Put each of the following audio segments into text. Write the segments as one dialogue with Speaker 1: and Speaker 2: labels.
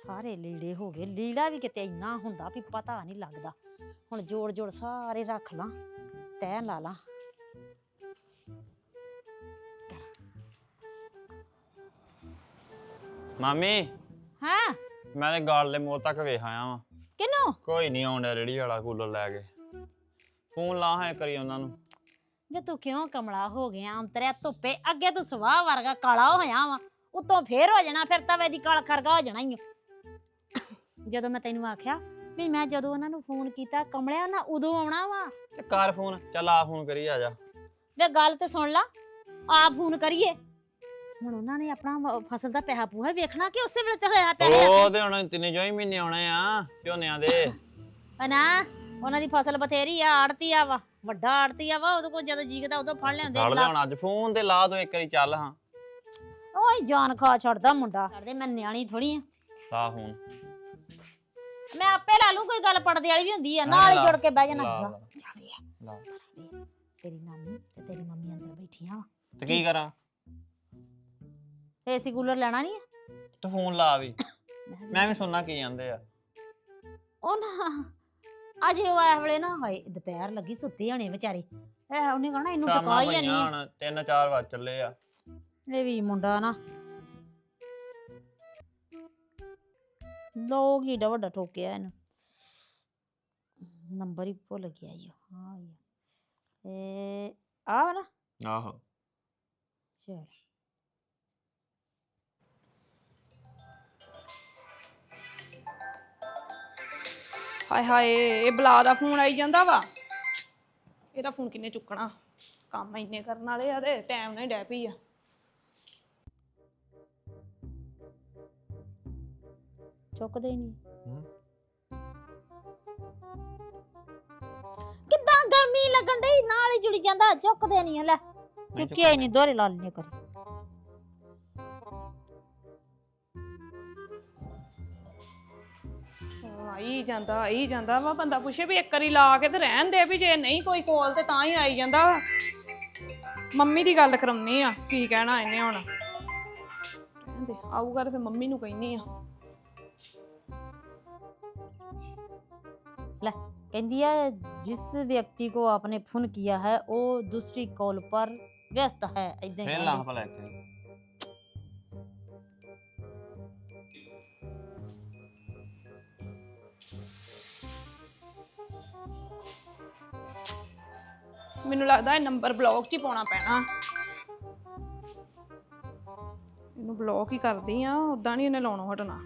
Speaker 1: ਸਾਰੇ ਲੀੜੇ ਹੋ ਗਏ। ਲੀੜਾ ਵੀ ਕਿਤੇ ਇੰਨਾ ਹੁੰਦਾ ਵੀ ਪਤਾ ਨਹੀਂ ਲੱਗਦਾ। ਹੁਣ ਜੋੜ ਜੋੜ ਸਾਰੇ ਰੱਖ ਲਾਂ, ਤੈਅ ਲਾ ਲਾਂ।
Speaker 2: ਮਾਮੀ
Speaker 1: ਹਾਂ
Speaker 2: ਮੈਂ ਤੇ ਗਾਲ ਮੋੜ ਤੱਕ ਵੇਖ ਆਇਆ ਵਾਂ।
Speaker 1: ਕਿਨੂੰ?
Speaker 2: ਕੋਈ ਨਹੀਂ ਆਉਂਦਾ ਰੇੜੀ ਵਾਲਾ ਕੂਲਰ ਲੈ ਕੇ। ਫੋਨ ਲਾ ਹੈ ਕਰੀ ਉਹਨਾਂ ਨੂੰ।
Speaker 1: ਜੇ ਤੂੰ ਕਿਉਂ ਕਮਲਾ ਹੋ ਗਿਆ ਅੰਤਰਿਆ ਧੁੱਪੇ? ਅੱਗੇ ਤੂੰ ਸਵਾਹ ਵਰਗਾ ਕਾਲਾ ਹੋਇਆ ਵਾ, ਉਤੋਂ ਫੇਰ ਹੋ ਜਾਣਾ, ਫਿਰ ਤਵੇ ਦੀ ਕਾਲ ਖਰਗਾ ਹੋ ਜਾਣਾ ਹੀ। ਜਦੋਂ ਮੈਂ ਤੈਨੂੰ ਆਖਿਆ ਵੀ ਮੈਂ ਜਦੋਂ ਉਹਨਾਂ ਨੂੰ ਫੋਨ ਕੀਤਾ ਕਮਲਿਆ ਉਹਨਾਂ ਉਦੋਂ ਆਉਣਾ ਵਾ।
Speaker 2: ਤੇ ਕਰ ਫੋਨ, ਚੱਲ ਆ ਫੋਨ ਕਰੀ ਆ ਜਾ।
Speaker 1: ਵੇ ਗੱਲ ਤੇ ਸੁਣ ਲਾ, ਆਪ ਫੋਨ ਕਰੀਏ। ਹੁਣ ਉਹਨਾਂ ਨੇ ਆਪਣਾ ਫਸਲ ਦਾ ਪੈਸਾ ਪੂਹਾ ਵੇਖਣਾ ਕਿ ਉਸੇ ਵੇਲੇ ਤੇ ਹੋਇਆ ਪੈਸਾ?
Speaker 2: ਉਹ ਤੇ ਹੁਣ ਤਿੰਨੇ ਜੋ ਹੀ ਮਹੀਨੇ ਆਉਣੇ ਆ ਝੋਨਿਆਂ ਦੇ।
Speaker 1: ਨਾ ਉਹਨਾਂ ਦੀ ਫਸਲ ਬਥੇਰੀ ਆ, ਆੜਤੀ ਆ ਵਾ, ਵੱਡਾ ਆੜਤੀ ਆ ਵਾ। ਉਹਦੇ ਕੋਲ ਜਦੋਂ ਜੀਕਦਾ ਉਦੋਂ ਫੜ ਲੈਂਦੇ।
Speaker 2: ਫੜ ਲਿਆਉਣਾ ਅੱਜ ਫੋਨ ਤੇ ਲਾ ਦੋ ਇੱਕ ਵਾਰੀ, ਚੱਲ ਹਾਂ।
Speaker 1: ਓਏ ਜਾਨ ਖਾ ਛੱਡਦਾ ਮੁੰਡਾ। ਛੱਡਦੇ, ਮੈਂ ਨਿਆਣੀ ਥੋੜੀ ਆ।
Speaker 2: ਲਾ ਫੋਨ।
Speaker 1: ਮੈਂ ਆਪੇ ਲਾ ਲੂ, ਕੋਈ ਗੱਲ ਪੜਦੇ ਵਾਲੀ ਵੀ ਹੁੰਦੀ ਆ, ਨਾਲ ਹੀ ਜੁੜ ਕੇ ਬਹਿ ਜਾਣਾ। ਜਾ ਵੇ
Speaker 2: ਲਾ।
Speaker 1: ਤੇਰੀ ਨਾਨੀ ਤੇ ਤੇਰੀ ਮੰਮੀ ਅੰਦਰ ਬੈਠੀਆਂ।
Speaker 2: ਤੇ ਕੀ ਕਰਾਂ?
Speaker 1: ਏਸੀ ਕੂਲਰ ਲੈਣਾ ਨਹੀਂ ਆ?
Speaker 2: ਤੂੰ ਫੋਨ ਲਾ ਵੀ, ਮੈਂ ਵੀ ਸੁਣਨਾ ਕੀ ਜਾਂਦੇ ਆ।
Speaker 1: ਉਹ ਨਾ ਅਜੇ ਉਹ ਇਸ ਵੇਲੇ ਨਾ, ਹਾਏ ਦੁਪਹਿਰ ਲੱਗੀ, ਸੁੱਤੇ ਹੋਣੇ ਵਿਚਾਰੇ। ਉਹਨੇ ਕਹਣਾ ਇਹਨੂੰ ਟਕਾ ਹੀ ਨਹੀਂ।
Speaker 2: ਹੁਣ 3-4 ਵਜ ਚੱਲੇ ਆ।
Speaker 1: ਇਹ ਵੀ ਮੁੰਡਾ ਨਾ ਲੋਕ ਹੀ ਏਡਾ ਵੱਡਾ ਠੋਕਿਆ ਇਹਨੂੰ। ਨੰਬਰ ਹੀ ਭੁੱਲ ਗਿਆ ਈ। ਹਾਂ ਇਹ ਆ ਵਾ ਨਾ।
Speaker 2: ਆਹੋ
Speaker 1: ਚਲ
Speaker 3: ਹਾਏ ਹਾਏ, ਇਹ ਬਲਾ ਦਾ ਫੋਨ ਆਈ ਜਾਂਦਾ ਵਾ। ਇਹਦਾ ਫੋਨ ਕਿੰਨੇ ਚੁੱਕਣਾ? ਕੰਮ ਇੰਨੇ ਕਰਨ ਵਾਲੇ ਆ ਤੇ ਟਾਈਮ ਨਾਲ ਹੀ ਡੈ ਪਈ ਆ।
Speaker 1: ਚੁੱਕਦੇ ਹੀ ਨਹੀਂ। ਕਿੱਦਾਂ ਗਰਮੀ ਲੱਗਣ ਡਈ, ਨਾਲ ਹੀ ਜੁੜੀ ਜਾਂਦਾ। ਚੁੱਕਦੇ ਨਹੀਂ। ਲੈ ਚੁੱਕਿਆ ਹੀ ਨਹੀਂ, ਦੋਹਰੇ ਲਾ ਲੈਣੇ ਕਰੀ।
Speaker 3: ਆਈ ਜਾਂਦਾ ਵਾ। ਬੰਦਾ ਪੁੱਛੇ ਵੀ ਇੱਕ ਵਾਰੀ ਲਾ ਕੇ ਤੇ ਰਹਿਣ ਦੇ, ਵੀ ਜੇ ਨਹੀਂ ਕੋਈ ਕੋਲ ਤੇ ਤਾਂ ਹੀ ਆਈ ਜਾਂਦਾ ਵਾ। ਮੰਮੀ ਦੀ ਗੱਲ ਕਰਾਉਣੀ ਆ, ਕੀ ਕਹਿਣਾ ਇਹਨੇ ਹੁਣ। ਰਹਿਣ ਦੇ, ਆਊਗਾ ਤੇ ਫਿਰ ਮੰਮੀ ਨੂੰ ਕਹਿਨੀ ਆ।
Speaker 1: ਲੈ ਕਹਿੰਦੀ है जिस व्यक्ति को आपने फोन किया है वो दूसरी कॉल पर व्यस्त है। इदां
Speaker 2: ਫੇਰ ਲਾ ਭਲਾ ਇੱਕ ਵਾਰੀ।
Speaker 3: ਮੈਨੂੰ ਲੱਗਦਾ ਇਹ ਨੰਬਰ ਬਲੌਕ 'ਚ ਹੀ ਪਾਉਣਾ ਪੈਣਾ। ਇਹਨੂੰ ਬਲੌਕ ਹੀ ਕਰਦੀ ਆ, ਉਦਾਂ ਨਹੀਂ ਇਹਨੇ ਲਾਉਣੋਂ ਹਟਣਾ।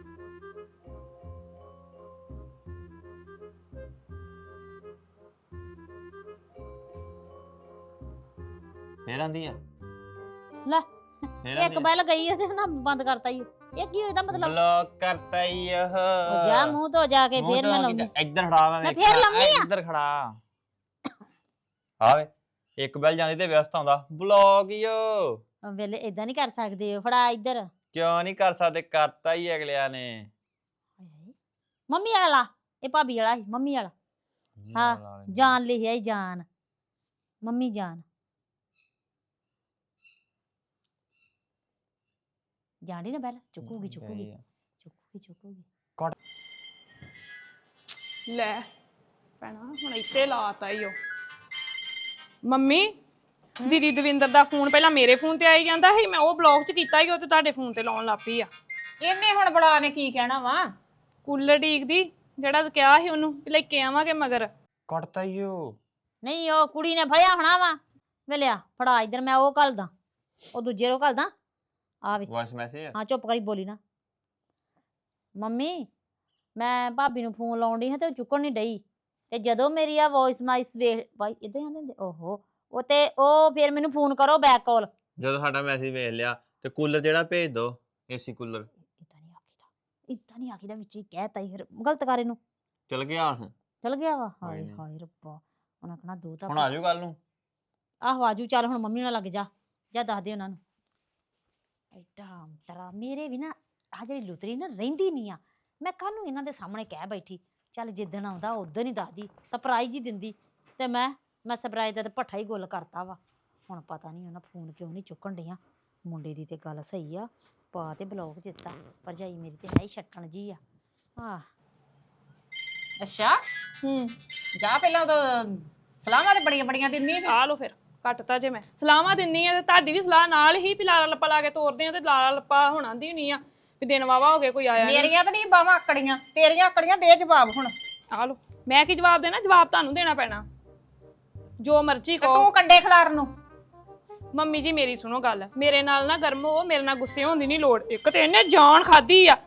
Speaker 2: ਫੇਰ ਆਂਦੀ ਆ।
Speaker 1: ਲੈ ਇੱਕ ਬੈਲ ਗਈ ਤੇ ਨਾ ਬੰਦ ਕਰਤਾ ਹੀ। ਇਹ ਕੀ ਇਹਦਾ ਮਤਲਬ?
Speaker 2: ਬਲੌਕ ਕਰਤਾ ਹੀ ਉਹ।
Speaker 1: ਜਾ ਮੂੰਹ ਤੋਂ ਜਾ ਕੇ ਫੇਰ ਮੈਂ ਲਾਉਂਦੀ।
Speaker 2: ਇੱਧਰ ਖੜਾ
Speaker 1: ਮੈਂ ਫੇਰ ਲਾਉਂਦੀ ਆ।
Speaker 2: ਇੱਧਰ ਖੜਾ ਆਵੇ। ਇੱਕ ਬੈਲ ਜਾਂਦੀ ਤੇ ਵਿਅਸਤ ਆਉਂਦਾ। ਬਲੌਕ ਹੀ ਉਹ
Speaker 1: ਵੇਲੇ ਇਦਾਂ ਨਹੀਂ ਕਰ ਸਕਦੇ। ਫੜਾ ਇੱਧਰ।
Speaker 2: ਕਿਉਂ ਨਹੀਂ ਕਰ ਸਕਦੇ? ਕਰਤਾ ਹੀ ਅਗਲਿਆਂ ਨੇ।
Speaker 1: ਮੰਮੀ ਵਾਲਾ ਲਾ। ਇਹ ਭਾਬੀ ਵਾਲਾ ਸੀ, ਮੰਮੀ ਵਾਲਾ। ਹਾਂ ਜਾਨ ਲਿਖਿਆ ਹੀ, ਜਾਨ ਮੰਮੀ ਜਾਨ। ਜਾਣੀ ਨਾ ਬੈਲ ਚੁੱਕੂਗੀ ਚੁੱਕੂਗੀ ਚੁੱਕੂਗੀ ਚੁੱਕੂਗੀ।
Speaker 3: ਲੈ ਭੈਣਾ ਹੁਣ ਇੱਥੇ ਲਾਤਾ ਈ ਉਹ। ਮੰਮੀ ਦੀਦੀ ਦਵਿੰਦਰ ਦਾ ਫੋਨ ਪਹਿਲਾਂ ਮੇਰੇ ਫੋਨ ਤੇ ਆਈ ਜਾਂਦਾ ਸੀ, ਮੈਂ ਉਹ ਬਲੌਕ 'ਚ ਕੀਤਾ ਹੀ, ਉਹ ਤੇ ਤੁਹਾਡੇ ਫੋਨ ਤੇ ਲਾਉਣ ਲੱਗ ਪਈ ਆ।
Speaker 4: ਇਹਨੇ ਹੁਣ ਬਲਾ ਨੇ ਕੀ ਕਹਿਣਾ ਵਾ?
Speaker 3: ਕੂਲਰ ਡੀਕਦੀ, ਜਿਹੜਾ ਕਿਹਾ ਸੀ ਉਹਨੂੰ ਵੀ ਲੈ ਕੇ ਆਵਾਂਗੇ ਮਗਰ।
Speaker 2: ਕੱਟਤਾ ਹੀ ਉਹ।
Speaker 1: ਨਹੀਂ ਉਹ ਕੁੜੀ ਨੇ ਫੜਿਆ ਹੋਣਾ ਵਾ। ਵੇਲਿਆ ਫੜਾ ਇੱਧਰ, ਮੈਂ ਉਹ ਘੱਲਦਾ, ਉਹ ਦੂਜੇ ਨੂੰ ਘੱਲਦਾ। ਆ ਵੇ
Speaker 2: ਵਾਇਸ ਮੈਸੇਜ।
Speaker 1: ਹਾਂ ਚੁੱਪ ਕਰੀ ਬੋਲੀ ਨਾ। ਮੰਮੀ ਮੈਂ ਭਾਬੀ ਨੂੰ ਫੋਨ ਲਾਉਣ ਡਈ ਹਾਂ ਤੇ ਉਹ ਚੁੱਕਣ ਨਹੀਂ ਡਈ। ਤੇ ਜਦੋਂ ਮੇਰੀ ਆ ਵੌਇਸ ਮਾਈਸ ਵੇਖ ਭਾਈ ਇਦਾਂ ਆਂਦੇ ਹੁੰਦੇ। ਓਹੋ ਉਹ ਤੇ ਉਹ ਫਿਰ ਮੈਨੂੰ ਫੋਨ ਕਰੋ ਬੈਕ ਕਾਲ।
Speaker 2: ਜਦੋਂ ਸਾਡਾ ਮੈਸੇਜ ਵੇਖ ਲਿਆ ਤੇ ਕੂਲਰ ਜਿਹੜਾ ਭੇਜ ਦੋ, ਏਸੀ ਕੂਲਰ।
Speaker 1: ਇਦਾਂ ਨਹੀਂ ਆਖੀਦਾ ਵਿੱਚ ਹੀ ਕਹਿਤਾ ਹੀ। ਗਲਤ ਕਰ ਇਹਨੂੰ।
Speaker 2: ਚਲ ਗਿਆ ਹੁਣ।
Speaker 1: ਚਲ ਗਿਆ ਵਾ। ਹਾਏ ਹਾਏ ਰੱਬਾ, ਉਹਨਾਂ ਕਹਣਾ ਦੋ ਤਾਂ
Speaker 2: ਹੁਣ ਆਜੂ ਕੱਲ ਨੂੰ।
Speaker 1: ਆਹੋ ਆਜੂ। ਚੱਲ ਹੁਣ ਮੰਮੀ ਨਾਲ ਲੱਗ ਜਾ, ਜਾ ਦੱਸ ਦੇ ਉਹਨਾਂ ਨੂੰ। ਐਡਾ ਅੰਤਰਾ ਮੇਰੇ ਵੀ ਨਾ ਆ ਜਿਹੜੀ ਲੁਤਰੀ ਨਾ ਰਹਿੰਦੀ ਨਹੀਂ ਆ। ਮੈਂ ਕਾਹਨੂੰ ਇਹਨਾਂ ਦੇ ਸਾਹਮਣੇ ਕਹਿ ਬੈਠੀ। ਚੱਲ ਜਿੱਦਣ ਆਉਂਦਾ ਉਦੋਂ ਹੀ ਦੱਸਦੀ, ਸਰਪ੍ਰਾਈਜ਼ ਹੀ ਦਿੰਦੀ। ਤੇ ਮੈਂ ਸਰਪ੍ਰਾਈਜ਼ ਦਾ ਤੇ ਭੱਠਾ ਹੀ ਗੁੱਲ ਕਰਤਾ ਵਾ। ਹੁਣ ਪਤਾ ਨਹੀਂ ਉਹਨਾਂ ਫੋਨ ਕਿਉਂ ਨਹੀਂ ਚੁੱਕਣ ਡਈਆਂ। ਮੁੰਡੇ ਦੀ ਤੇ ਗੱਲ ਸਹੀ ਆ, ਪਾ ਤੇ ਬਲੌਕ ਦਿੱਤਾ ਭਰਜਾਈ ਮੇਰੀ ਤੇ ਹੈ ਹੀ ਛੱਟਣ ਜੀ ਆ
Speaker 4: ਅੱਛਾ
Speaker 3: ਹੂੰ
Speaker 4: ਜਾ ਪਹਿਲਾਂ ਉਹ ਸਲਾਮਾਂ ਤੇ ਬੜੀਆਂ ਬੜੀਆਂ ਦਿੰਦੀ ਆ
Speaker 3: ਆ ਲੋ ਫਿਰ ਕੱਟਤਾ ਜੇ ਮੈਂ ਸਲਾਹਾਂ ਦਿੰਨੀ ਆ ਤੇ ਤੁਹਾਡੀ ਵੀ ਸਲਾਹ ਨਾਲ ਹੀ ਵੀ ਲਾਲਾ ਲੱਪਾ ਲਾ ਕੇ ਤੋਰਦੇ ਆ ਤੇ ਲਾਲਾ ਲੱਪਾ ਹੁਣ ਆਂਦੀ ਹੋਣੀ ਆ ਵੀ ਦਿਨ ਵਾਵਾ ਹੋ ਗਏ ਕੋਈ ਆਇਆ ਨਹੀਂ।
Speaker 4: ਮੇਰੀਆਂ ਤਾਂ ਨਹੀਂ ਬਾਵਾਂ ਆਕੜੀਆਂ, ਤੇਰੀਆਂ ਆਕੜੀਆਂ, ਦੇ ਜਵਾਬ ਹੁਣ।
Speaker 3: ਆ ਲੋ ਮੈਂ ਕੀ ਜਵਾਬ ਦੇਣਾ, ਜਵਾਬ ਤੁਹਾਨੂੰ ਦੇਣਾ ਪੈਣਾ ਜੋ ਮਰਜ਼ੀ
Speaker 4: ਤੇ
Speaker 3: ਕਹੋ।
Speaker 4: ਤੂੰ ਕੰਡੇ ਖਿਲਾਰਨ ਨੂੰ
Speaker 3: ਮੰਮੀ ਜੀ ਮੇਰੀ ਸੁਣੋ ਗੱਲ, ਮੇਰੇ ਨਾਲ ਨਾ ਗਰਮ ਹੋ, ਮੇਰੇ ਨਾਲ ਗੁੱਸੇ ਹੋਣ ਦੀ ਨਹੀਂ ਲੋੜ। ਇੱਕ ਤੇ ਇਹਨੇ ਜਾਨ ਖਾਦੀ ਆ।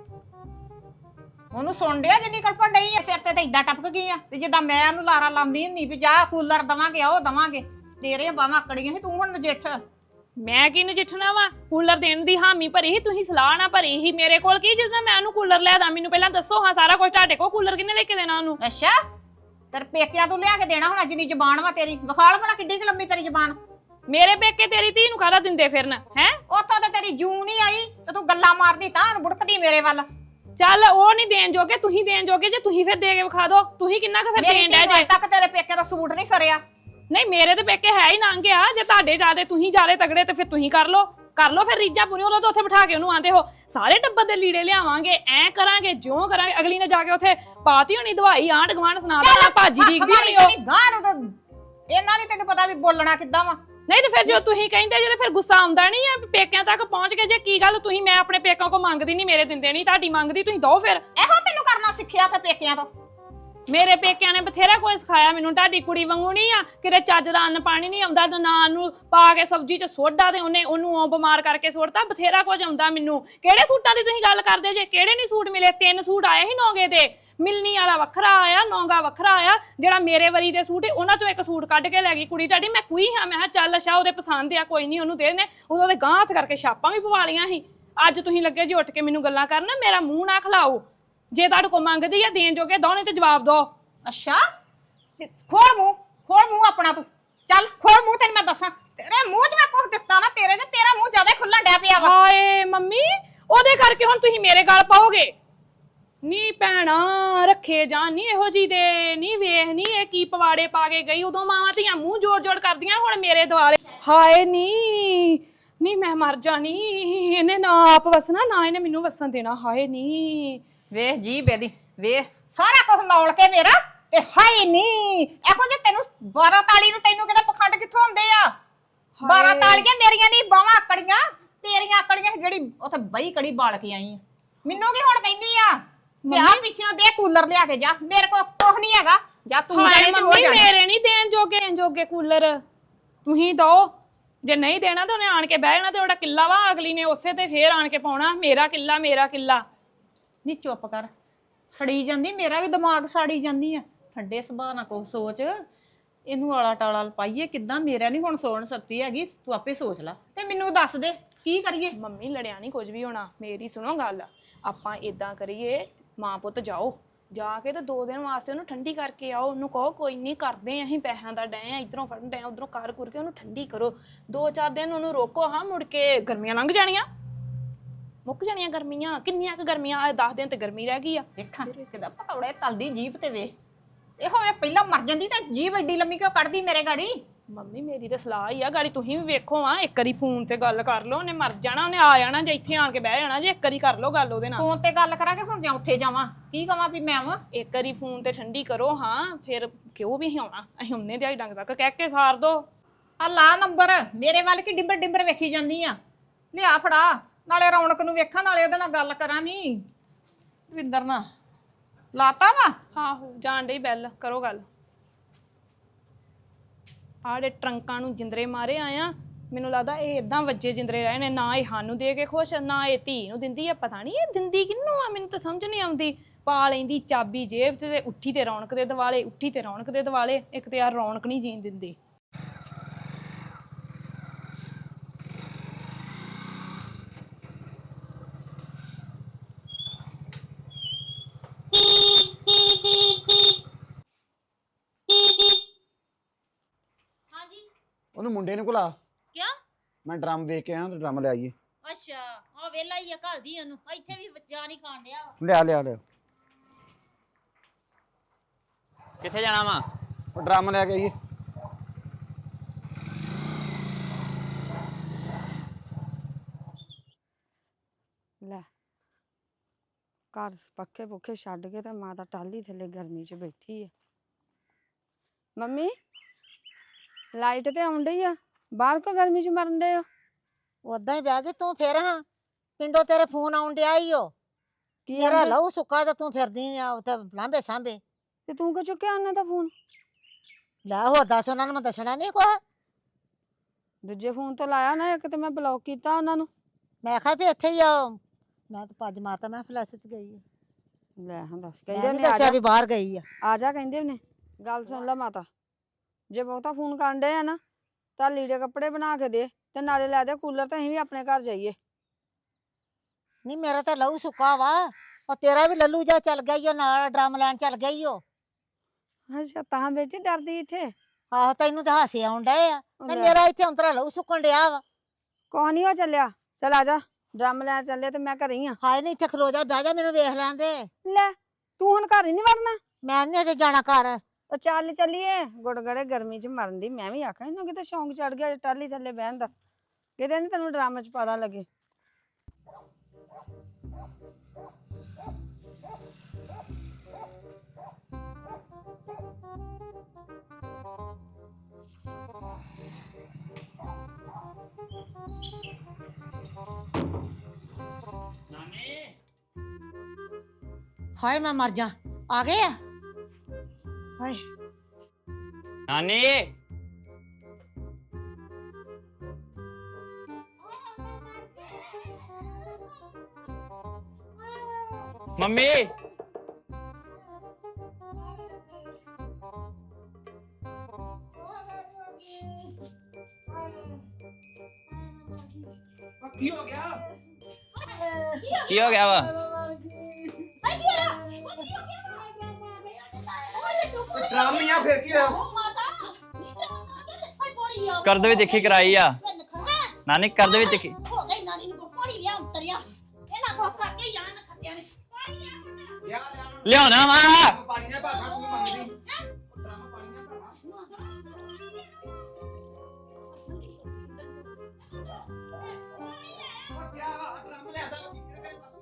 Speaker 4: ਉਹਨੂੰ ਸੁਣ ਡਿਆ ਜਿੰਨੀ ਕਲਪਣ ਡਈ ਆ, ਸਿਰ ਤੇ ਇਦਾਂ ਟਪਕ ਗਈ ਆ ਤੇ ਜਿੱਦਾਂ ਮੈਂ ਉਹਨੂੰ ਲਾਰਾ ਲਾਉਂਦੀ ਹੁੰਦੀ ਵੀ ਜਾ ਕੂਲਰ ਦਵਾਂਗੇ ਉਹ ਦਵਾਂਗੇ, ਤੇਰੀਆਂ ਬਾਵਾਂ ਆਕੜੀਆਂ ਸੀ, ਤੂੰ ਹੁਣ ਨਜਿੱਠ।
Speaker 3: ਮੈਂ ਕੀ ਨਜਿੱਠਣਾ ਵਾ, ਕੂਲਰ ਦੇਣ ਦੀ ਹਾਮੀ ਭਰੀ ਸੀ, ਤੁਸੀਂ ਸਲਾਹ ਨਾ ਭਰੀ ਸੀ ਮੇਰੇ ਕੋਲ। ਕੀ ਜਦੋਂ ਮੈਂ ਉਹਨੂੰ ਕੂਲਰ ਲਿਆ ਦਾਂ, ਮੈਨੂੰ ਪਹਿਲਾਂ ਦੱਸੋ ਹਾਂ ਸਾਰਾ ਕੁਝ, ਤੁਹਾਡੇ ਕੋਲ ਕੂਲਰ ਕਿੰਨੇ ਲੈ ਕੇ ਦੇਣਾ ਉਹਨੂੰ?
Speaker 4: ਅੱਛਾ ਤੇਰੇ ਪੇਕਿਆਂ ਤੋਂ ਲਿਆ ਕੇ ਦੇਣਾ ਹੁਣ, ਜਿੰਨੀ ਜ਼ਬਾਨ ਵਾ ਤੇਰੀ, ਵਿਖਾਲ ਭਲਾ ਕਿੱਡੀ ਕੁ ਲੰਮੀ ਤੇਰੀ ਜ਼ਬਾਨ।
Speaker 3: ਮੇਰੇ ਪੇਕੇ ਤੇਰੀ ਧੀ ਨੂੰ ਕਾਹਦਾ ਦਿੰਦੇ ਫਿਰਨ ਹੈ?
Speaker 4: ਉੱਥੋਂ ਤੇ ਤੇਰੀ ਜੂ ਨਹੀਂ ਆਈ ਤੇ ਤੂੰ ਗੱਲਾਂ ਮਾਰਦੀ ਤਾਂ ਬੁੜਕਦੀ ਮੇਰੇ ਵੱਲ।
Speaker 3: ਚੱਲ ਉਹ ਨਹੀਂ ਦੇਣ ਜੋਗੇ, ਤੁਸੀਂ ਦੇਣ ਜੋਗੇ ਜੇ ਤੁਸੀਂ ਫਿਰ ਦੇ ਕੇ ਵਿਖਾ ਦਿਓ। ਤੁਸੀਂ ਕਿੰਨਾ ਕੁ ਫਿਰ
Speaker 4: ਮੇਰੀ
Speaker 3: ਦੇਣ
Speaker 4: ਧੀ
Speaker 3: ਡੈ
Speaker 4: ਨੂੰ
Speaker 3: ਜੇ?
Speaker 4: ਅਜੇ ਤੱਕ ਤੇਰੇ ਪੇਕਿਆਂ ਦਾ ਸੂਟ ਨਹੀਂ ਸਰਿਆ।
Speaker 3: ਨਹੀਂ ਮੇਰੇ ਤੇ ਪੇਕੇ ਹੈ ਹੀ ਨੰਗ ਆ, ਜੇ ਤੁਹਾਡੇ ਜਾਦੇ ਤੁਸੀਂ ਜਾਦੇ ਤਗੜੇ ਤੇ ਫਿਰ ਤੁਸੀਂ ਕਰ ਲਓ ਫਿਰ ਰੀਜਾਂ ਪੂਰੀਆਂ। ਉਦੋਂ ਤਾਂ ਉੱਥੇ ਬਿਠਾ ਕੇ ਉਹਨੂੰ ਆਂਦੇ ਹੋ ਸਾਰੇ ਟੱਬਰ ਦੇ ਲੀੜੇ ਲਿਆਵਾਂਗੇ, ਐ ਕਰਾਂਗੇ ਜਿਉਂ ਕਰਾਂਗੇ। ਅਗਲੀ ਨੇ ਜਾ ਕੇ ਉੱਥੇ ਪਾਤੀ ਹੋਣੀ ਦਵਾਈ, ਆਂਢ ਗਵਾਂਢ ਸੁਣਾ ਦੇਣਾ ਭਾਜੀ ਡੀਕਦੀ ਹੋਣੀ ਉਹ।
Speaker 4: ਗਾਂ ਨੂੰ ਤਾਂ ਇਹਨਾਂ ਨਹੀਂ ਤੈਨੂੰ ਪਤਾ ਵੀ ਬੋਲਣਾ ਕਿੱਦਾਂ ਵਾ।
Speaker 3: ਨਹੀਂ ਤੇ ਫਿਰ ਜੋ ਤੁਸੀਂ ਕਹਿੰਦੇ ਜੇ ਫਿਰ ਗੁੱਸਾ ਆਉਂਦਾ ਨਹੀਂ ਆ ਪੇਕਿਆਂ ਤੱਕ ਪਹੁੰਚ ਕੇ? ਜੇ ਕੀ ਗੱਲ ਤੁਸੀਂ, ਮੈਂ ਆਪਣੇ ਪੇਕਾਂ ਕੋ ਮੰਗਦੀ ਨਹੀਂ, ਮੇਰੇ ਦਿੰਦੇ ਨਹੀਂ, ਤੁਹਾਡੀ ਮੰਗਦੀ ਤੁਸੀਂ ਦੋ ਫਿਰ।
Speaker 4: ਇਹੋ ਤੈਨੂੰ ਕਰਨਾ ਸਿੱਖਿਆ ਤੇ ਪੇਕਿਆਂ ਤੋਂ।
Speaker 3: ਮੇਰੇ ਪੇਕਿਆਂ ਨੇ ਬਥੇਰਾ ਕੋਈ ਸਿਖਾਇਆ ਮੈਨੂੰ, ਤੁਹਾਡੀ ਕੁੜੀ ਵਾਂਗੂ ਨਹੀਂ ਆ ਕਿਤੇ ਚੱਜ ਦਾ ਅੰਨ ਪਾਣੀ ਨਹੀਂ ਆਉਂਦਾ। ਨਾਨ ਨੂੰ ਪਾ ਕੇ ਸਬਜ਼ੀ 'ਚ ਸੋਡਾ ਤੇ ਉਹਨੂੰ ਬਿਮਾਰ ਕਰਕੇ ਸੁੱਟਤਾ। ਬਥੇਰਾ ਕੁਝ ਆਉਂਦਾ ਮੈਨੂੰ। ਕਿਹੜੇ ਸੂਟਾਂ ਦੀ ਤੁਸੀਂ ਗੱਲ ਕਰਦੇ ਜੇ? ਕਿਹੜੇ ਨਹੀਂ ਸੂਟ ਮਿਲੇ? 3 ਸੂਟ ਆਏ ਸੀ ਨੌਗੇ ਤੇ, ਮਿਲਣੀ ਵਾਲਾ ਵੱਖਰਾ ਆਇਆ, ਨੌਗਾ ਵੱਖਰਾ ਆਇਆ। ਜਿਹੜਾ ਮੇਰੇ ਵਰੀ ਦੇ ਸੂਟ ਉਹਨਾਂ 'ਚੋਂ ਇੱਕ ਸੂਟ ਕੱਢ ਕੇ ਲੈ ਗਈ ਕੁੜੀ ਤੁਹਾਡੀ। ਮੈਂ ਕੋਈ ਹਾਂ, ਮੈਂ ਕਿਹਾ ਚੱਲ ਅੱਛਾ ਉਹਦੇ ਪਸੰਦ ਆ, ਕੋਈ ਨਹੀਂ ਉਹਨੂੰ ਦੇ ਦੇਣੇ। ਉਦੋਂ ਦੇ ਗਾਂਹ ਹੱਥ ਕਰਕੇ ਛਾਪਾਂ ਵੀ ਪਵਾ ਲਈਆਂ ਸੀ। ਅੱਜ ਤੁਸੀਂ ਲੱਗੇ ਜੀ ਉੱਠ ਕੇ ਮੈਨੂੰ ਗੱਲਾਂ ਕਰਨ, ਮੇਰਾ ਮੂੰਹ ਨਾ ਖਲਾਓ। ਜੇ ਤੁਹਾਡੇ ਕੋਲ ਮੰਗਦੀ ਆ ਦੇਣ ਜੋਗੇ ਦੋ, ਨਹੀਂ ਤੇ ਜਵਾਬ ਦੋ।
Speaker 4: ਅੱਛਾ ਖੋਲ ਮੂੰਹ ਆਪਣਾ ਤੂੰ। ਚੱਲ ਖੋਲ ਮੂੰਹ, ਤੈਨੂੰ ਮੈਂ ਦੱਸਾਂ ਤੇਰੇ ਮੂੰਹ 'ਚ ਮੈਂ ਕੁਝ ਦਿੱਤਾ ਨਾ ਤੇਰੇ 'ਚ, ਤੇਰਾ ਮੂੰਹ ਜ਼ਿਆਦਾ ਖੁੱਲਣ ਡਿਆ ਪਿਆ ਵਾ।
Speaker 3: ਹਾਏ ਮੰਮੀ, ਉਹਦੇ ਕਰਕੇ ਹੁਣ ਤੁਸੀਂ ਮੇਰੇ ਗਲ ਪਾਓਗੇ? ਨੀ ਭੈਣਾ ਰੱਖੇ ਜਾਣ ਨੀ ਇਹੋ ਜੀ ਦੇ, ਨੀ ਵੇਖ ਨੀ ਇਹ ਕੀ ਪਵਾੜੇ ਪਾ ਕੇ ਗਈ। ਉਦੋਂ ਮਾਵਾਂ ਧੀਆਂ ਮੂੰਹ ਜੋੜ ਕਰਦੀਆਂ, ਹੁਣ ਮੇਰੇ ਦੁਆਲੇ। ਹਾਏ ਨੀ ਮੈਂ ਮਰ ਜਾਣੀ। ਇਹਨੇ ਨਾ ਆਪ ਵਸਣਾ, ਨਾ ਇਹਨੇ ਮੈਨੂੰ ਵਸਣ ਦੇਣਾ। ਹਾਏ ਨੀ
Speaker 4: ਵੇਖ ਜੀ ਬੇਦੀ, ਵੇਖ ਸਾਰਾ ਕੁਝ ਨੌਲ ਕੇ ਮੇਰਾ ਤੇ ਹਾਏ ਨੀ ਇਹੋ ਜੇ ਤੈਨੂੰ 12 ਤਾਲੀ ਨੂੰ ਤੈਨੂੰ ਕਿਤੇ ਪਖੰਡ ਕਿੱਥੋਂ ਆਉਂਦੇ ਆ? 12 ਤਾਲੀਆਂ ਮੇਰੀਆਂ ਨਹੀਂ ਬਾਵਾਂ ਆਕੜੀਆਂ, ਤੇਰੀਆਂ ਆਕੜੀਆਂ ਜਿਹੜੀ ਉੱਥੇ ਬਈ ਕੜੀ ਬਾਲ ਕੇ ਆਈ ਆ। ਮੈਨੂੰ ਕੀ ਹੁਣ ਕਹਿੰਦੀ ਆ ਤੇ ਆ ਪਿੱਛੋਂ ਦੇ ਕੂਲਰ ਲਿਆ ਕੇ ਜਾ, ਮੇਰੇ ਕੋਲ ਕੁਝ ਨਹੀਂ ਹੈਗਾ। ਜਾ ਤੂੰ ਜਾਣੇ ਤੇ ਉਹ ਜਾਣੇ।
Speaker 3: ਮੇਰੇ ਨਹੀਂ ਦੇਣ ਜੋਗੇ ਕੂਲਰ, ਤੁਸੀਂ ਦੋ। ਜੇ ਨਹੀਂ ਦੇਣਾ ਤਾਂ ਉਹਨੇ ਆਣ ਕੇ ਬਹਿ ਜਾਣਾ ਤੇ ਉਹਦਾ ਕਿੱਲਾ ਵਾ, ਅਗਲੀ ਨੇ ਉਸੇ ਤੇ ਫੇਰ ਆਣ ਕੇ ਪਾਉਣਾ ਮੇਰਾ ਕਿੱਲਾ।
Speaker 4: ਨਹੀਂ ਚੁੱਪ ਕਰ, ਸੜੀ ਜਾਂਦੀ, ਮੇਰਾ ਵੀ ਦਿਮਾਗ ਸਾੜੀ ਜਾਂਦੀ ਆ। ਠੰਡੇ ਸੁਭਾਅ ਨਾਲ ਕੁਛ ਸੋਚ, ਇਹਨੂੰ ਆਲਾ ਟਾਲਾ ਪਾਈਏ ਕਿੱਦਾਂ? ਮੇਰਾ ਨਹੀਂ ਹੁਣ ਸੋਣ ਸਕਤੀ ਹੈਗੀ, ਤੂੰ ਆਪੇ ਸੋਚ ਲੈ ਤੇ ਮੈਨੂੰ ਦੱਸ ਦੇ ਕੀ ਕਰੀਏ।
Speaker 3: ਮੰਮੀ ਲੜਿਆ ਨਹੀਂ ਕੁਝ ਵੀ ਹੋਣਾ, ਮੇਰੀ ਸੁਣੋ ਗੱਲ। ਆਪਾਂ ਇਦਾਂ ਕਰੀਏ, ਮਾਂ ਪੁੱਤ ਜਾਓ, ਜਾ ਕੇ ਤੇ 2 ਦਿਨ ਵਾਸਤੇ ਉਹਨੂੰ ਠੰਡੀ ਕਰਕੇ ਆਓ। ਉਹਨੂੰ ਕਹੋ ਕੋਈ ਨਹੀਂ ਕਰਦੇ ਅਸੀਂ ਪੈਸਿਆਂ ਦਾ ਡੈ ਆ, ਇਧਰੋਂ ਫੜਨ ਡੈ, ਉਧਰੋਂ ਕਰ ਕੇ ਉਹਨੂੰ ਠੰਡੀ ਕਰੋ। 2-4 ਦਿਨ ਉਹਨੂੰ ਰੋਕੋ। ਹਾਂ ਮੁੜ ਕੇ ਗਰਮੀਆਂ ਲੰਘ ਜਾਣੀਆਂ, ਮੁੱਕ ਜਾਣੀਆਂ ਗਰਮੀਆਂ। ਕਿੰਨੀਆਂ ਕੁ ਗਰਮੀਆਂ? 10 ਦਿਨ ਤੇ ਗਰਮੀ ਰਹਿ ਗਈ ਆ।
Speaker 4: ਵੇਖਾਂ ਕਿਦਾਂ ਪਕੌੜੇ ਤਲਦੀ ਜੀਭ ਤੇ ਵੇਖ। ਇਹੋ ਵੇ ਪਹਿਲਾਂ ਮਰ ਜਾਂਦੀ ਤਾਂ ਜੀਭ ਐਡੀ ਲੰਮੀ ਕਿਉਂ ਕੱਢਦੀ ਮੇਰੇ ਗਾੜੀ?
Speaker 3: ਮੰਮੀ ਮੇਰੀ ਤਾਂ ਸਲਾਹ ਹੀ ਆ, ਗਾੜੀ ਤੁਸੀਂ ਵੀ ਵੇਖੋ। ਆ ਇੱਕ ਵਾਰੀ ਫੋਨ ਤੇ ਗੱਲ ਕਰ ਲਓ, ਉਹਨੇ ਮਰ ਜਾਣਾ, ਉਹਨੇ ਆ ਜਾਣਾ ਜੇ ਇੱਥੇ ਆਣ ਕੇ ਬਹਿ ਜਾਣਾ। ਜੇ ਇੱਕ ਵਾਰੀ ਕਰ ਲਓ ਗੱਲ ਉਹਦੇ ਨਾਲ।
Speaker 4: ਫੋਨ ਤੇ ਗੱਲ ਕਰਾਂਗੇ ਹੁਣ, ਜਾਂ ਉੱਥੇ ਜਾਵਾਂ? ਕੀ ਕਵਾਂ ਵੀ ਮੈਂ ਆਵਾਂ?
Speaker 3: ਇੱਕ ਵਾਰੀ ਫੋਨ ਤੇ ਠੰਡੀ ਕਰੋ। ਹਾਂ ਫਿਰ ਕਿਉਂ ਵੀ ਆਉਣਾ, ਅਸੀਂ ਉਹਨੇ ਦਿਹਾੜੀ ਡੰਗ ਤੱਕ ਕਹਿ ਕੇ ਸਾਰ ਦੋ।
Speaker 4: ਆ ਲਾ ਨੰਬਰ ਮੇਰੇ ਵੱਲ ਕੀ ਡਿੰਬਰ ਵੇਖੀ ਜਾਂਦੀ ਆ? ਲਿਆ ਫੜਾ, ਨਾਲੇ ਰੌਣਕ ਨੂੰ ਵੇਖਾਂ, ਨਾਲੇ ਉਹਦੇ ਨਾਲ ਗੱਲ ਕਰਾਂ। ਨੀ ਦਵਿੰਦਰ ਨਾਲ ਲਾਤਾ ਵਾ।
Speaker 3: ਆਹੋ ਜਾਣ ਡਈ ਬੈਲ, ਕਰੋ ਗੱਲ। ਆੜੇ ਟਰੰਕਾਂ ਨੂੰ ਜਿੰਦਰੇ ਮਾਰੇ ਆਇਆ, ਮੈਨੂੰ ਲੱਗਦਾ ਇਹ ਇਦਾਂ ਵੱਜੇ ਜਿੰਦਰੇ ਰਹੇ ਨੇ। ਨਾ ਇਹ ਸਾਨੂੰ ਦੇ ਕੇ ਖੁਸ਼, ਨਾ ਇਹ ਧੀ ਨੂੰ ਦਿੰਦੀ ਆ। ਪਤਾ ਨਹੀਂ ਇਹ ਦਿੰਦੀ ਕਿਹਨੂੰ ਆ, ਮੈਨੂੰ ਤਾਂ ਸਮਝ ਨਹੀਂ ਆਉਂਦੀ। ਪਾ ਲੈਂਦੀ ਚਾਬੀ ਜੇਬ 'ਚ ਤੇ ਉੱਠੀ ਤੇ ਰੌਣਕ ਦੇ ਦਿਵਾਲੇ, ਉੱਠੀ ਤੇ ਰੌਣਕ ਦੇ ਦਿਵਾਲੇ। ਇੱਕ ਤੇ ਯਾਰ ਰੌਣਕ ਨਹੀਂ ਜੀਣ ਦਿੰਦੀ।
Speaker 5: ਉਹਨੂੰ ਮੁੰਡੇ ਨੂੰ ਘੁਲਾ।
Speaker 1: ਕਿਆ?
Speaker 5: ਮੈਂ ਡਰਮ ਵੇਖ ਕੇ ਆਇਆ ਤੇ ਡਰਮ ਲੈ ਆਈਏ।
Speaker 1: ਅੱਛਾ ਆ ਵੇਲਾ ਹੀ ਆ, ਘਲਦੀ ਉਹਨੂੰ। ਇੱਥੇ ਵੀ ਜਾਨ ਹੀ ਖਾਣ ਡਿਆ
Speaker 5: ਲਿਆ
Speaker 2: ਕਿੱਥੇ ਜਾਣਾ ਵਾ?
Speaker 5: ਉਹ ਡਰਮ ਲੈ ਕੇ ਆਈਏ।
Speaker 6: ਘਰ ਪੱਖੇ ਪੁੱਖੇ ਛੱਡ ਕੇ ਤੇ ਮਾਤਾ ਟਾਲੀ ਥੱਲੇ ਗਰਮੀ 'ਚ ਬੈਠੀ ਆ। ਮੰਮੀ ਲਾਈਟ ਤੇ ਆਉਂਦੀ ਆ, ਬਾਹਰ ਕੋ ਗਰਮੀ 'ਚ ਮਰਨ ਦੇ ਹੋ?
Speaker 4: ਉਦਾਂ ਹੀ ਬਹਿ ਗਈ ਤੂੰ ਫਿਰ ਹਾਂ ਪਿੰਡੋਂ ਤੇਰੇ ਫੋਨ ਆਉਣ ਡਿਆ ਈ ਓ
Speaker 6: ਕੀ
Speaker 4: ਤੇਰਾ
Speaker 6: ਆਂਦੇ?
Speaker 4: ਲਹੂ ਸੁੱਕਾ ਤੇ ਤੂੰ ਫਿਰਦੀ ਆ ਉੱਥੇ ਲਾਂਬੇ ਸਾਂਬੇ।
Speaker 6: ਤੇ ਤੂੰ ਕਿਉਂ ਚੁੱਕਿਆ ਉਹਨਾਂ ਦਾ ਫੋਨ?
Speaker 4: ਲੈ ਹੋ ਦੱਸ ਉਹਨਾਂ ਨੂੰ ਮੈਂ ਦੱਸਣਾ ਨਹੀਂ ਕੁਛ।
Speaker 6: ਦੂਜੇ ਫੋਨ ਤੋਂ ਲਾਇਆ ਨਾ, ਇੱਕ ਤੇ ਮੈਂ ਬਲੌਕ ਕੀਤਾ ਉਹਨਾਂ ਨੂੰ।
Speaker 4: ਮੈਂ ਕਿਹਾ ਵੀ ਇੱਥੇ ਹੀ ਆ ਮੈਂ ਤਾਂ ਭੱਜ ਮਾਤਾ ਮੈਂ ਫਲੈਸ਼ ਚ ਗਈ ਆ।
Speaker 6: ਲੈ ਹਾਂ ਦੱਸ,
Speaker 4: ਮੈਂ
Speaker 6: ਕਹਿੰਦੇ
Speaker 4: ਨੀ
Speaker 6: ਨੇ ਆ
Speaker 4: ਦੱਸਿਆ
Speaker 6: ਜਾ
Speaker 4: ਵੀ ਬਾਹਰ ਗਈ ਆ।
Speaker 6: ਆ ਜਾ, ਕਹਿੰਦੇ ਨੇ। ਗੱਲ ਸੁਣ ਲੈ ਮਾਤਾ, ਜੇ ਬਹੁਤਾ ਫੋਨ ਕਰਨ ਡਏ ਆ ਨਾ ਤਾਂ ਲੀੜੇ ਕੱਪੜੇ ਬਣਾ ਕੇ ਦੇ ਤੇ ਨਾਲੇ ਲੈ ਦੇ ਕੂਲਰ, ਤੇ ਅਸੀਂ ਵੀ ਆਪਣੇ ਘਰ ਜਾਈਏ।
Speaker 4: ਨਹੀਂ ਮੇਰਾ ਤਾਂ ਲਹੂ ਸੁੱਕਾ ਵਾ, ਉਹ ਤੇਰਾ ਵੀ ਲੱਲੂ ਜਾ ਚੱਲ ਗਿਆ ਈ ਓ ਨਾਲ ਡਰਮ ਲੈਣ ਚੱਲ ਗਈ ਓ।
Speaker 6: ਅੱਛਾ ਤਾਂ ਬੇਟੀ ਡਰਦੀ ਇੱਥੇ?
Speaker 4: ਆਹੋ ਤੈਨੂੰ ਤਾਂ ਹਾਸੇ ਆਉਣ ਡਏ ਆ ਤੇ
Speaker 6: ਲੈ,
Speaker 4: ਮੇਰਾ ਇੱਥੇ ਅੰਤਰਾ ਲਹੂ ਸੁੱਕਣ ਡਿਆ ਵਾ।
Speaker 6: ਕੁਛ ਨੀ ਹੋ ਚੱਲਿਆ, ਚੱਲ ਆ ਜਾ, ਡਰਮ ਲੈਣ ਚੱਲੇ ਤੇ ਮੈਂ ਘਰੇ ਹੀ ਆ।
Speaker 4: ਹਾਏ ਨਹੀਂ ਇੱਥੇ ਖਲੋ ਜਾ ਬਹਿ ਜਾ ਮੈਨੂੰ ਵੇਖ ਲੈਣ ਦੇ।
Speaker 6: ਲੈ ਤੂੰ ਹੁਣ ਘਰ ਹੀ ਨਹੀਂ ਵੜਨਾ?
Speaker 4: ਮੈਂ ਨੀ ਅਜੇ ਜਾਣਾ ਘਰ।
Speaker 6: ਉਹ ਚੱਲ ਚੱਲੀਏ, ਗੁੜਗੜੇ ਗਰਮੀ 'ਚ ਮਰਨ ਦੀ। ਮੈਂ ਵੀ ਆਖਾਂ ਇਹਨੂੰ ਕਿਤੇ ਸ਼ੌਂਕ ਚੜ ਗਿਆ ਟਾਲੀ ਥੱਲੇ ਬਹਿਣ ਦਾ, ਕਿਤੇ ਨੀ ਤੈਨੂੰ ਡਰਾਮੇ 'ਚ ਪਤਾ ਲੱਗੇ।
Speaker 4: ਹਾਏ ਮੈਂ ਮਰ ਜਾ, ਆ ਗਏ ਆ। ਹਾਏ
Speaker 2: ਨਾਨੀ ਮੰਮੀ
Speaker 5: ਕੀ ਹੋ ਗਿਆ?
Speaker 2: ਕੀ ਹੋ ਗਿਆ ਵਾ?
Speaker 5: ਡਰਮ ਜਾਂ ਫਿਰ ਕੀ ਹੋਇਆ?
Speaker 2: ਕਰ ਦੇ ਵੀ ਦੇਖੀ ਕਰਾਈ ਆ ਨਾਨੀ, ਕਰ ਦੇ ਵੀ ਦੇਖੀ।
Speaker 1: ਹੋ ਗਈ ਨਾਨੀ ਨੂੰ ਪਾਣੀ ਲਿਆ ਉਤਰਿਆ ਇਹਨਾਂ ਕੋ ਕਰਕੇ ਜਾਣ ਖੱਤਿਆਂ ਨੇ
Speaker 2: ਲਿਆਉਣਾ ਵਾ।
Speaker 5: ਪਾਣੀ ਨਾ ਭਾਖਾ ਤੂੰ ਮੰਗਦੀ। ਡਰਮ ਪਾਣੀ ਨਾ ਭਾਖਾ। ਉਹ ਕਿਆ ਵਾ ਡਰਮ ਲਿਆਦਾ ਕਿਹੜੇ ਪਾਸੋਂ?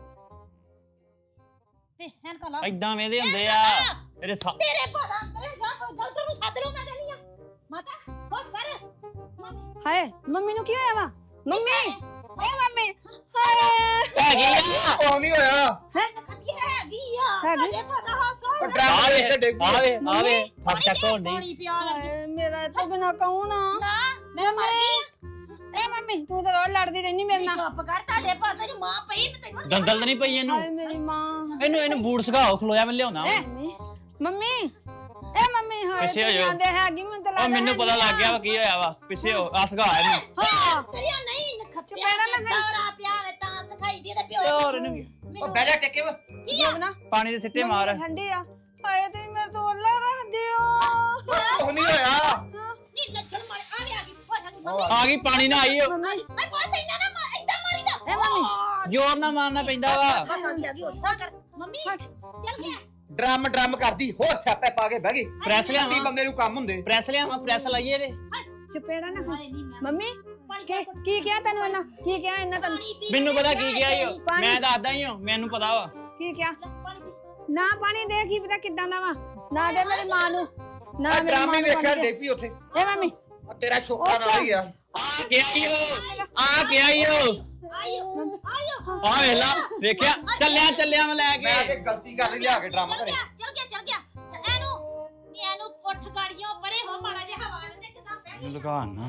Speaker 1: ਤੇ ਹੈਨ ਕਾ ਲਾ
Speaker 2: ਏਦਾਂ ਵੇਦੇ ਹੁੰਦੇ ਆ ਤੇਰੇ
Speaker 1: ਤੇਰੇ ਪਤਾ ਤੇਰੇ ਜਾ ਕੋਈ ਡਾਕਟਰ ਨੂੰ ਸੱਦ ਲਓ, ਮੈਂ ਦੇਣੀ ਆ ਮਾਤਾ ਬਸ ਕਰ।
Speaker 6: ਹਾਏ ਮੰਮੀ ਨੂੰ ਕੀ ਹੋਇਆ ਵਾ? ਮੰਮੀ ਏ ਮੰਮੀ, ਹਾਏ
Speaker 2: ਹੈਗੀ ਆ।
Speaker 5: ਉਹ ਨਹੀਂ ਹੋਇਆ।
Speaker 1: ਖੱਤੀ ਹੈਗੀ ਆ
Speaker 6: ਹੈਗੀ?
Speaker 1: ਤੇਰੇ ਪਤਾ ਹਾਸਾ
Speaker 5: ਉਹ ਡਰਮ ਦੇ ਡਿੱਗ ਪਈ।
Speaker 2: ਆਵੇ ਆਵੇ ਫੱਟ ਚੱਕ ਹੋਣ ਡਈ।
Speaker 1: ਪਾਣੀ ਪਿਆ ਲੱਗੀ
Speaker 6: ਹਾਏ ਮੇਰਾ ਇੱਥੇ ਬਿਨਾ ਕੌਣ ਆ?
Speaker 1: ਨਾ ਮੈਂ ਮਰ ਗਈ।
Speaker 6: ਏ ਮੰਮੀ ਤੂੰ ਤਾਂ ਰੋਜ਼ ਲੜਦੀ ਰਹਿਨੀ ਮੇਰੇ ਨਾਲ।
Speaker 1: ਚੁੱਪ ਕਰ, ਤੁਹਾਡੇ ਪਤਾ ਦੀ ਮਾਂ ਪਈ ਮੈਂ ਤੈਨੂੰ
Speaker 2: ਦੰਦਲ ਤਾਂ ਨਹੀਂ ਪਈ ਇਹਨੂੰ?
Speaker 6: ਹਾਏ ਮੇਰੀ ਮਾਂ।
Speaker 2: ਇਹਨੂੰ ਬੂਟ ਸਗਾਓ, ਖਲੋਇਆ ਮੈਂ ਲਿਆਉਣਾ ਵਾ।
Speaker 6: ਮੰਮੀ ਮੰਮੀ ਏ ਮੰਮੀ, ਹਾਏ
Speaker 2: ਪਿੱਛੇ ਹੋ
Speaker 6: ਤੂੰ
Speaker 2: ਜਾਓ।
Speaker 6: ਜਾਂਦੇ ਹੈਗੀ, ਮੈਨੂੰ ਤਾਂ
Speaker 2: ਉਹ
Speaker 6: ਲੱਗਦਾ
Speaker 2: ਮੈਨੂੰ ਪਤਾ ਲੱਗ ਗਿਆ ਵਾ ਕੀ ਹੋਇਆ ਵਾ। ਪਿੱਛੇ ਹੋ ਆ ਸਗਾ ਇਹਨੂੰ।
Speaker 6: ਹਾਂ
Speaker 1: ਤੇਰੀਆਂ ਨਹੀਂ ਨਖੱਤਿਆ
Speaker 6: ਚਪੇੜਾ ਨਾ ਖਾਈ।
Speaker 1: ਦੌਰਾ ਪਿਆ ਵੇ ਤਾਂ ਸਿਖਾਈ ਦੀ ਤੇ ਪਿਓ
Speaker 2: ਤੇ ਹੋਰ ਇਹਨੂੰ
Speaker 5: ਉਹ ਬਹਿ ਜਾ ਟਿੱਕੇ ਵਾ।
Speaker 6: ਜੋਬਨਾ
Speaker 2: ਪਾਣੀ ਦੇ ਸਿੱਟੇ ਮਾਰ।
Speaker 6: ਠੰਡੀ ਆ। ਹਾਏ ਤੁਸੀਂ ਮੇਰੇ ਤੋਂ ਉੱਲਾ ਰੱਖਦੇ ਹੋ।
Speaker 5: ਉਹ ਨਹੀਂ ਹੋਇਆ।
Speaker 1: ਨਹੀਂ ਲੱਛਣ ਮਾਰ ਆ ਗਈ ਪੋਸਾ ਨੂੰ ਮੰਮੀ
Speaker 2: ਆ ਗਈ, ਪਾਣੀ ਨਾ ਆਈ ਓ।
Speaker 6: ਮੰਮੀ
Speaker 1: ਮੈਂ ਪੋਸਾ ਇੰਨਾ ਨਾ ਇਦਾਂ ਮਾਰੀਦਾ
Speaker 6: ਏ ਮੰਮੀ
Speaker 2: ਜ਼ੋਰ ਨਾਲ ਮਾਰਨਾ ਪੈਂਦਾ ਵਾ।
Speaker 1: ਬਸ ਆ ਗਈ ਉਸਦਾ ਕਰ ਮੰਮੀ
Speaker 6: ਹਟ।
Speaker 1: ਚੱਲ ਗਿਆ
Speaker 5: ਡਰਮ ਕਰਦੀ ਹੋਰ ਸਿਆਪੇ ਪਾ ਕੇ ਬਹਿ ਗਈ।
Speaker 2: ਪ੍ਰੈਸ
Speaker 5: ਕੀ
Speaker 2: ਲਿਆਵਾਂ,
Speaker 5: ਬੰਦੇ ਨੂੰ ਕੰਮ ਹੁੰਦੇ।
Speaker 2: ਪ੍ਰੈਸ ਲਿਆਵਾਂ, ਪ੍ਰੈਸ ਲਾਈਏ ਇਹਦੇ।
Speaker 6: ਚਪੇੜਾ ਨਾ ਖਾ।
Speaker 1: ਹਾਏ ਨਹੀਂ ਮੈਂ
Speaker 6: ਮੰਮੀ
Speaker 1: ਪਾਣੀ
Speaker 6: ਕੀ ਕਿਹਾ ਤੈਨੂੰ ਇਹਨਾਂ? ਕੀ ਕਿਹਾ ਇਹਨਾਂ ਤੈਨੂੰ?
Speaker 1: ਪਾਣੀ ਪੀ
Speaker 2: ਮੈਨੂੰ ਪਤਾ ਕੀ ਗਿਆ ਈ ਓ।
Speaker 6: ਪਾਣੀ।
Speaker 2: ਮੈਂ ਦੱਸਦਾ ਹੀ ਹਾਂ, ਮੈਨੂੰ ਪਤਾ ਵਾ।
Speaker 6: ਕੀ ਕਿਹਾ?
Speaker 1: ਪਾਣੀ ਪੀ
Speaker 6: ਨਾ ਪਾਣੀ ਦੇ, ਕੀ ਪਤਾ ਕਿੱਦਾਂ ਦਾ ਵਾ। ਨਾ ਦੇ ਮੇਰੀ ਮਾਂ ਨੂੰ, ਨਾ
Speaker 5: ਆ
Speaker 6: ਮੇਰੀ
Speaker 5: ਡਰਮ
Speaker 6: ਮਾਂ
Speaker 5: ਹੀ
Speaker 6: ਨੂੰ
Speaker 5: ਵੇਖਿਆ
Speaker 6: ਪਾਣੀ ਦੇ।
Speaker 5: ਡਿੱਗ ਪਈ ਉੱਥੇ।
Speaker 6: ਏ ਮੰਮੀ
Speaker 5: ਆ ਤੇਰਾ ਸ਼ੋਕਾ ਨਾਲ ਹੀ ਆ।
Speaker 2: ਆ ਗਿਆ ਈ ਓ, ਆ ਗਿਆ ਈ ਓ।
Speaker 1: ਆਇਓ
Speaker 2: ਆ ਵੇਖ ਲਾ, ਵੇਖਿਆ? ਚੱਲਿਆ ਮੈਂ ਲੈ
Speaker 5: ਮੈਂ
Speaker 2: ਕੇ।
Speaker 5: ਤੇ ਗਲਤੀ ਕਰ ਲਈ ਲਿਆ ਕੇ ਡਰਮ ਘਰੇ।
Speaker 1: ਚੱਲ ਗਿਆ ਤੇ ਇਹਨੂੰ ਉੱਠ ਗਾੜੀਆਂ ਪਰੇ ਹੋ ਮਾੜਾ ਜਿਹਾ ਹਵਾ ਦੇ ਕਿਦਾਂ ਪੈ ਗਈ
Speaker 2: ਲਗਾਣਾ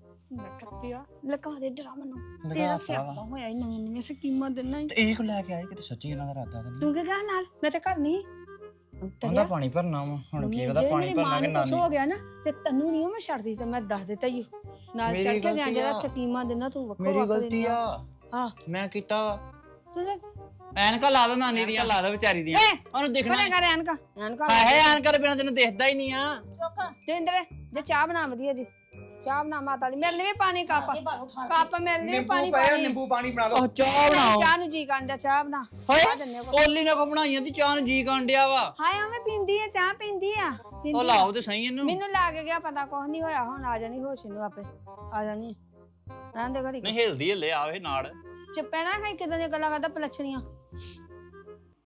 Speaker 6: ਨਕਤਿਆ ਲਗਾ ਦੇ ਡਰਾਮਾ ਨੂੰ।
Speaker 2: ਲਗਾ
Speaker 6: ਤੇਰਾ
Speaker 2: ਤਾ
Speaker 6: ਸਿਆਪਾ
Speaker 2: ਵਾ।
Speaker 6: ਹੋਇਆ ਹੀ ਨਵੀਆਂ ਸਕੀਮਾਂ ਦੇਣਾ ਹੀ।
Speaker 2: ਇਹ ਕੋ ਲੈ ਕੇ ਆਏ ਕਿਤੇ ਸੱਚੀ ਇਹਨਾਂ ਦਾ ਇਰਾਦਾ ਤਾਂ ਨਹੀਂ।
Speaker 6: ਤੂੰ ਕੀ ਕਹਿ ਨਾਲ? ਮੈਂ ਤਾਂ ਘਰ ਨਹੀਂ
Speaker 2: ਉਹਦਾ ਪਾਣੀ ਭਰਨਾ ਵਾ, ਹੁਣ ਕੀ ਪਤਾ ਪਾਣੀ ਭਰਨਾ ਕਿ ਨਾ
Speaker 6: ਹੋ ਗਿਆ ਨਾ ਤੇ ਤੈਨੂੰ ਨਹੀਂ ਮੈਂ ਛੱਡਦੀ, ਤੇ ਮੈਂ ਦੱਸ ਦਿੱਤਾ ਹੀ ਨਾਲ
Speaker 2: ਮੇਰੀ
Speaker 6: ਚੜ ਕੇ ਗਿਆ
Speaker 2: ਗਲਤੀ
Speaker 6: ਜਿਹੜਾ
Speaker 2: ਆ।
Speaker 6: ਸਕੀਮਾਂ ਦੇਣਾ ਤੂੰ ਵੱਖੋ
Speaker 2: ਮੇਰੀ
Speaker 6: ਵੱਖ
Speaker 2: ਗਲਤੀ
Speaker 6: ਦੇਣਾ।
Speaker 2: ਆ।
Speaker 6: ਹਾਂ
Speaker 2: ਮੈਂ ਕੀਤਾ ਵਾ।
Speaker 6: ਤੂੰ
Speaker 2: ਐਨਕਾਂ ਲਾ ਦੋ ਨਾਨੀ ਦੀਆਂ, ਲਾ ਦੋ ਵਿਚਾਰੀ ਦੀਆਂ।
Speaker 6: ਏ
Speaker 2: ਉਹਨੂੰ ਦਿਖਣਾ
Speaker 6: ਬਣੇ ਕਰ ਐਨਕਾ
Speaker 2: ਹੈ ਐਨਕਾਂ ਦੇ ਬਿਨਾਂ ਤੈਨੂੰ ਦਿਖਦਾ ਹੀ ਨਹੀਂ ਆ।
Speaker 1: ਚੁੱਕ
Speaker 6: ਤੇ ਇੰਦਰੇ ਜੇ ਚਾਹ ਬਣਾ ਵਧੀਆ ਜੀ, ਚਾਹ ਬਣਾ ਮਾਤਾ ਲਈ। ਮੇਰੇ ਲਈ ਵੀ ਪਾਣੀ ਕੱਪ ਮੇਰੇ ਲਈ ਵੀ ਪਾਣੀ
Speaker 5: ਨਿੰਬੂ ਪਏ
Speaker 6: ਪਾਣੀ।
Speaker 5: ਨਿੰਬੂ ਪਾਣੀ ਬਣਾ ਲਓ।
Speaker 2: ਉਹ ਚਾਹ ਬਣਾਓ।
Speaker 6: ਚਾਹ ਨੂੰ ਜੀ ਕਾਂਡਾ, ਚਾਹ ਬਣਾ।
Speaker 2: ਹਾਏ
Speaker 6: ਚਾਹ ਦਿੰਨੇ ਕੋ।
Speaker 2: ਓਲੀ ਨੇ ਕੋ ਬਣਾਈਆਂ ਤੇ ਚਾਹ ਨੂੰ ਜੀ ਕਾਂਡਿਆ ਵਾ।
Speaker 6: ਹਾਏ ਐਵੇਂ ਪੀਂਦੀ ਆ, ਚਾਹ ਪੀਂਦੀ ਆ।
Speaker 2: ਉਹ ਲਾਓ ਤੇ ਸਹੀ ਇਹਨੂੰ।
Speaker 6: ਮੈਨੂੰ ਲੱਗ ਗਿਆ ਪਤਾ ਕੁਛ ਨਹੀਂ ਹੋਇਆ, ਹੁਣ ਆ ਜਾਣੀ ਹੋਸ਼ ਨੂੰ ਆਪੇ ਆ ਜਾਣੀ। ਰਹਿਣ ਦੇ ਘੜੀ
Speaker 2: ਨਹੀਂ ਹਿਲਦੀ ਹਿੱਲੇ ਆਵੇ ਨਾਲ।
Speaker 6: ਚਪੈਣਾ ਖਾਈ ਕਿਦਾਂ ਦੀਆਂ ਗੱਲਾਂ ਕਰਦਾ ਪਲਛਣੀਆਂ।